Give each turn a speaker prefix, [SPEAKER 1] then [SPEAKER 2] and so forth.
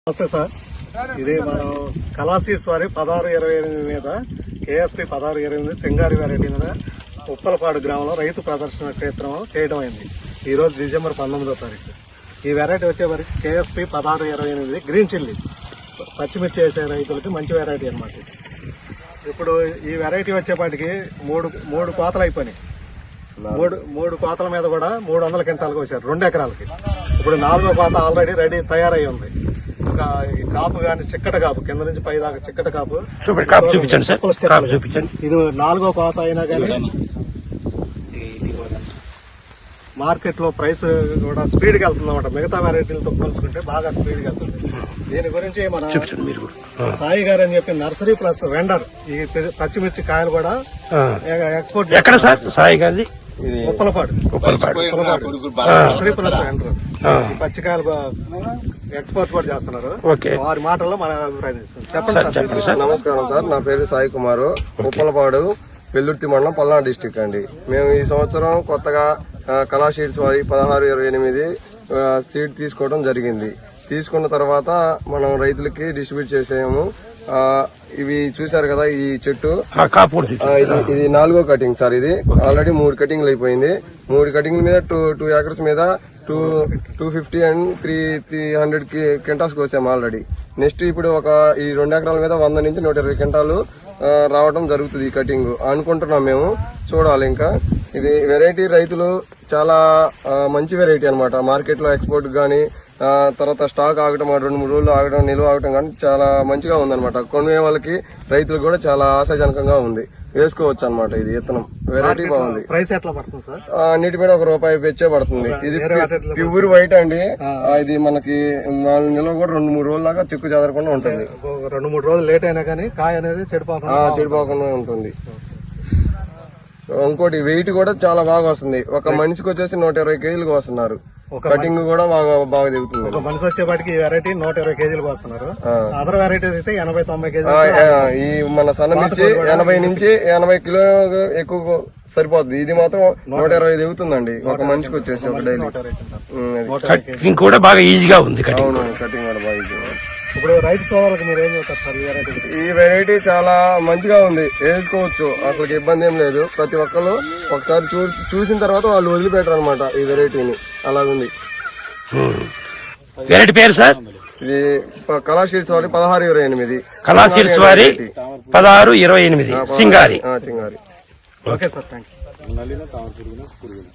[SPEAKER 1] నమస్తే సార్, ఇది మనం కళాసీడ్స్ వారి 1628 మీద KSP 1628 సింగారి వెరైటీ మీద ఉప్పలపాడు గ్రామంలో రైతు ప్రదర్శన క్షేత్రం చేయడం అయింది. ఈ రోజు డిసెంబర్ 19వ తారీఖు. ఈ వెరైటీ వచ్చేవరకు KSP 1628 గ్రీన్ చిల్లీ పచ్చిమిర్చి వేసే రైతులకి మంచి వెరైటీ అన్నమాట. ఇప్పుడు ఈ వెరైటీ వచ్చేపాటికి మూడు కోతలు అయిపోయినాయి. మూడు కోతల మీద కూడా 300 క్వింటాలకు వచ్చారు 2 ఎకరాలకి. ఇప్పుడు 4వ కోత ఆల్రెడీ రెడీ తయారై ఉంది. ఇంకా ఈ కాపు గాని చిక్కట కాపు కింద నుంచి పై దాకా చిక్కట కాపు చూపించండి. ఇది 4వ కోత అయినా కానీ మార్కెట్ లో ప్రైస్ కూడా స్పీడ్ గా వెళ్తుంది అన్నమాట. మిగతా వెరైటీలతో పోల్చుకుంటే బాగా స్పీడ్ గా వెళ్తుంది. దీని గురించి మన సాయి గారు అని చెప్పి నర్సరీ ప్లస్ వెండర్ ఈ పచ్చిమిర్చి కాయలు కూడా ఎక్స్పోర్ట్
[SPEAKER 2] ఎక్కడ సార్ సాయి గారిది?
[SPEAKER 1] ఉప్పలపాడు నర్సరీ ప్లస్ వెండర్ ఈ పచ్చికాయలు ఎక్స్పోర్ట్ కూడా చేస్తున్నారు. వారి మాటల్లో మన అభిప్రాయం తీసుకుంటాం. చెప్పండి సార్.
[SPEAKER 3] నమస్కారం సార్, నా పేరు సాయి కుమారు, ఉప్పలపాడు పెల్లుర్తి మండలం పల్నాడు డిస్టిక్ అండి. మేము ఈ సంవత్సరం కొత్తగా కళా సీడ్స్ వారి 1628 సీడ్ తీసుకోవడం జరిగింది. తీసుకున్న తర్వాత మనం రైతులకి డిస్ట్రిబ్యూట్ చేసాము. ఇవి చూసారు కదా, ఈ చెట్టు ఇది 4వ కటింగ్ సార్. ఇది ఆల్రెడీ 3 కటింగ్లు అయిపోయింది. 3 కటింగ్ల మీద 2 ఏకర్స్ మీద 250 అండ్ 300 క్వింటాల్స్ కోసాము ఆల్రెడీ. నెక్స్ట్ ఇప్పుడు ఈ 2 ఎకరాల మీద 100 నుంచి 120 క్వింటాలు రావడం జరుగుతుంది ఈ కటింగ్ అనుకుంటున్నాం మేము. చూడాలి. ఇంకా ఇది వెరైటీ రైతులు చాలా మంచి వెరైటీ అనమాట. మార్కెట్ లో ఎక్స్పోర్ట్ గానీ తర్వాత స్టాక్ ఆగటం 2-3 రోజులు ఆగడం, నిల్వ ఆగటం కానీ చాలా మంచిగా ఉందన్నమాట. కొనే వాళ్ళకి రైతులకు కూడా చాలా ఆశాజనకంగా ఉంది. వేసుకోవచ్చు అనమాట. ఇది విత్తనం వెరైటీ బాగుంది.
[SPEAKER 1] ప్రైస్ ఎట్లా పడుతుంది సార్?
[SPEAKER 3] అన్నిటి మీద ₹1 పెంచే పడుతుంది. ఇది ప్యూర్ వైట్ అండి. ఇది మనకి నిల్వ కూడా 2-3 రోజుల దాకా చెక్కు చెదరకుండా ఉంటుంది.
[SPEAKER 1] 2-3 రోజులు లేట్ అయినా కానీ కాయ అనేది
[SPEAKER 3] చెడిపోకుండా ఉంటుంది. ఇంకోటి వెయిట్ కూడా చాలా బాగా వస్తుంది. ఒక మనిషికి వచ్చేసి 120 కేజీలకు వస్తున్నారు. కటింగ్ కూడా బాగా దిగుతుంది.
[SPEAKER 1] ఒక మనిషి వచ్చేపాటికి ఈ వెరైటీ 120 కేజీలకు వస్తున్నారు. అదర్ వెరైటీస్ అయితే 80-90 కేజీలు.
[SPEAKER 3] ఈ మన సన్న మిర్చి 80 నుంచి 80 కిలో ఎక్కువ సరిపోతుంది. ఇది మాత్రం 120 దిగుతుందండి ఒక మనిషికి వచ్చేసి ఒక డైలీ.
[SPEAKER 2] కటింగ్ కూడా బాగా ఈజీగా ఉంది.
[SPEAKER 3] కటింగ్ కూడా బాగా ఈజీగా.
[SPEAKER 1] ఇప్పుడు రైతు సోదరులకు మీరు ఏం చెప్తారు సార్?
[SPEAKER 3] ఈ వెరైటీ చాలా మంచిగా ఉంది, వేసుకోవచ్చు, అసలు ఇబ్బంది ఏం లేదు. ప్రతి ఒక్కరు ఒకసారి చూసిన తర్వాత వాళ్ళు వదిలిపెట్టరు అనమాట ఈ వెరైటీని. అలాగుంది.
[SPEAKER 2] వెరైటీ పేరు సార్?
[SPEAKER 3] ఇది కళా సీడ్స్ వారి 1628.
[SPEAKER 2] కళా సీడ్స్ వారి 1628 సింగారి.
[SPEAKER 1] Okay sir, thank you.